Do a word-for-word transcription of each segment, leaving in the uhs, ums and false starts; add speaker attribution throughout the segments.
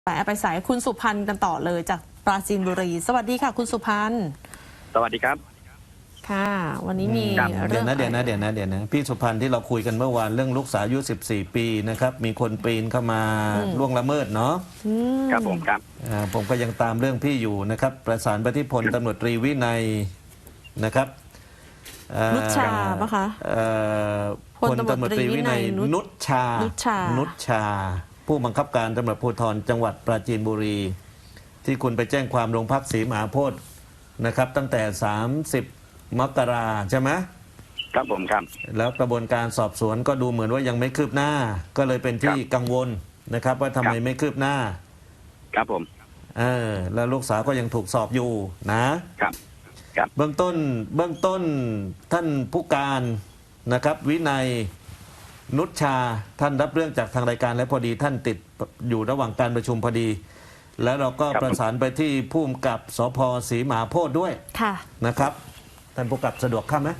Speaker 1: สายไปสายคุณสุพันธ์กันต่อเลยจากปราจีนบุรีสวัสดีค่ะคุณสุพันธ์
Speaker 2: สวัสดีครับ
Speaker 1: ค่ะวันนี้มี
Speaker 3: เดี๋ยวนะเดี๋ยวนะเดี๋ยวนะเดี๋ยวนะพี่สุพันธ์ที่เราคุยกันเมื่อวานเรื่องลูกสาวอายุสิบสี่ปีนะครับมีคนปีนเข้ามาล่วงละเมิดเนาะ
Speaker 2: ครับผมครับ
Speaker 3: ผมก็ยังตามเรื่องพี่อยู่นะครับประสานไปที่พลตำรวจตรีวินัยนะครับ
Speaker 1: นุชชาปะคะ
Speaker 3: พลตำรวจตรีวินัยนุชชานุชชาผู้บังคับการตำรวจภูธรจังหวัดปราจีนบุรีที่คุณไปแจ้งความโรงพักศรีมหาโพธิ์นะครับตั้งแต่สามสิบมกราใช่ไหม
Speaker 2: ครับผมครับ
Speaker 3: แล้วกระบวนการสอบสวนก็ดูเหมือนว่ายังไม่คืบหน้าก็เลยเป็นที่กังวลนะครับว่าทำไมไม่คืบหน้า
Speaker 2: ครับผม
Speaker 3: เออแล้วลูกสาวก็ยังถูกสอบอยู่นะครับ
Speaker 2: ครับ
Speaker 3: เบื้องต้นเบื้องต้นท่านผู้การนะครับวินัยนุชชาท่านรับเรื่องจากทางรายการและพอดีท่านติดอยู่ระหว่างการประชุมพอดีแล้วเราก็ประสานไปที่ผู้กำกับสภ.ศรีมหาโพธิ์ด้วยนะครับท่านผู้กำกับสะดวกเข้าไหม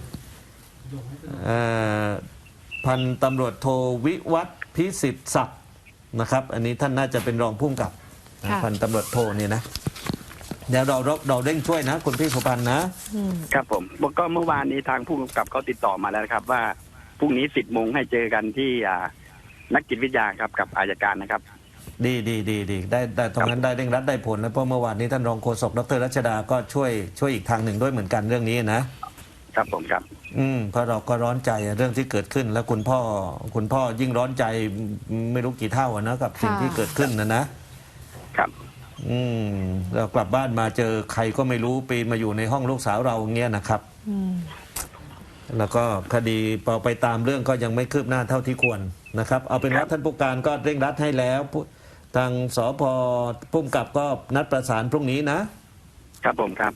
Speaker 3: พันตำรวจโทวิวัฒน์พิสิทธิ์ศักดิ์นะครับอันนี้ท่านน่าจะเป็นรองผู้กำกับพันตำรวจโทนี่นะเดี๋ยวเราเราเร่งช่วยนะคุณพี่สุพันธ์
Speaker 2: นะครับผมก็เมื่อวานนี้ทางผู้กำกับเขาติดต่อมาแล้วนะครับว่าพรุ่งนี้สิบโมงให้เจอกันที่นักจิตวิทยาครับกับอัยการนะครับ
Speaker 3: ดีดีดีดีได้ได้ตรงนั้นได้เร่งรัดได้ผลนะเพราะเมื่อวานนี้ท่านรองโฆษกดรรัชดาก็ช่วยช่วยอีกทางหนึ่งด้วยเหมือนกันเรื่องนี้นะครับ
Speaker 2: ผมครับ
Speaker 3: อืมเพราะเราก็ร้อนใจเรื่องที่เกิดขึ้นแล้วคุณพ่อคุณพ่อยิ่งร้อนใจไม่รู้กี่เท่านะกับสิ่งที่เกิดขึ้นนะนะครับอืมเรากลับบ้านมาเจอใครก็ไม่รู้ปีนมาอยู่ในห้องลูกสาวเราเงี้ยนะครับอืมแล้วก็คดีพอไปตามเรื่องก็ยังไม่คืบหน้าเท่าที่ควรนะครับเอาเป็นว่าท่านผู้การก็เร่งรัดให้แล้วทางสภ.ผู้กำกับก็นัดประสานพรุ่งนี้นะครับ
Speaker 2: ผมครับ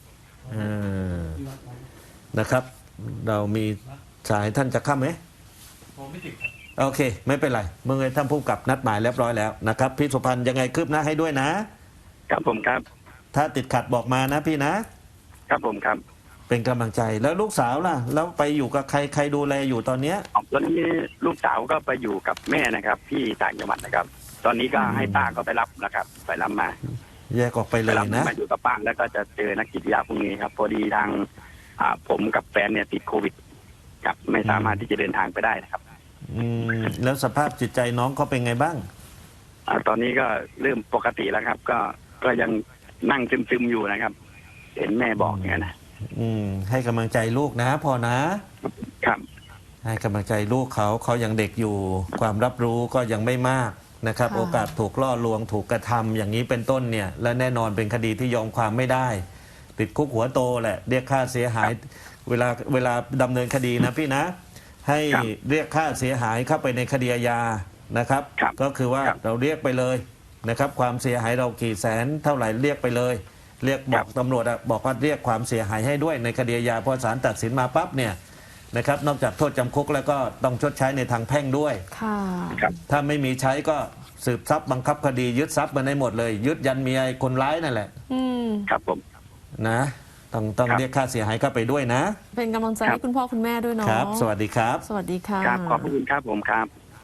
Speaker 3: นะครับเรามีสายท่านจะเข้าไหมโอเคไม่เป็นไรเมื่อไงท่านผู้กำกับนัดหมายเรียบร้อยแล้วนะครับพี่สุพันธ์ยังไงคืบหน้าให้ด้วยนะครับ
Speaker 2: ผมครับ
Speaker 3: ถ้าติดขัดบอกมานะพี่นะครับ
Speaker 2: ผมครับ
Speaker 3: เป็นกำลังใจแล้วลูกสาวล่ะแล้วไปอยู่กับใครใครดูแลอยู่ตอนเนี้ย
Speaker 2: ตอนนี้ลูกสาวก็ไปอยู่กับแม่นะครับที่ต่างจังหวัดนะครับตอนนี้ก็ให้ป้าก็ไปรับนะครับไปรับมา
Speaker 3: แยกออกไปเลยนะ
Speaker 2: มาอยู่กับป้าแล้วก็จะเจอนักจิตวิทยาพรุ่งนี้ครับพอดีทางผมกับแฟนเนี่ยติดโควิดครับไม่สามารถที่จะเดินทางไปได้นะครับ
Speaker 3: อืมแล้วสภาพจิตใจน้องเขาเป็นไงบ้าง
Speaker 2: อ่าตอนนี้ก็เริ่มปกติแล้วครับก็ก็ยังนั่งซึมๆอยู่นะครับเห็นแม่บอกอย่างนี้นะ
Speaker 3: อืมให้กำลังใจลูกนะพอนะครับให้กำลังใจลูกเขาเขายังเด็กอยู่ความรับรู้ก็ยังไม่มากนะครับโอกาสถูกล่อลวงถูกกระทำอย่างนี้เป็นต้นเนี่ยและแน่นอนเป็นคดีที่ยอมความไม่ได้ติดคุกหัวโตแหละเรียกค่าเสียหายเวลาเวลาดำเนินคดีนะพี่นะให้เรียกค่าเสียหายเข้าไปในคดีอาญานะครับก็คือว่าเราเรียกไปเลยนะครับความเสียหายเรากี่แสนเท่าไหร่เรียกไปเลยเรียกบอกตำรวจบอกว่าเรียกความเสียหายให้ด้วยในคดีอาญาพอศาลตัดสินมาปั๊บเนี่ยนะครับนอกจากโทษจำคุกแล้วก็ต้องชดใช้ในทางแพ่งด้วยถ้าไม่มีใช้ก็สืบทรัพย์บังคับคดียึดทรัพย์มาได้หมดเลยยึดยันเมียคนร้ายนั่นแหละ
Speaker 2: ครับผม
Speaker 3: นะต้องต้องเรียกค่าเสียหายเข้าไปด้วยนะ
Speaker 1: เป็นกำลังใจให้คุณพ่อคุณแม่ด้วยเนาะ
Speaker 3: ครับสวัสดีครับ
Speaker 1: สวัสดีค่ะ
Speaker 2: ครับขอบคุณครับผมครับ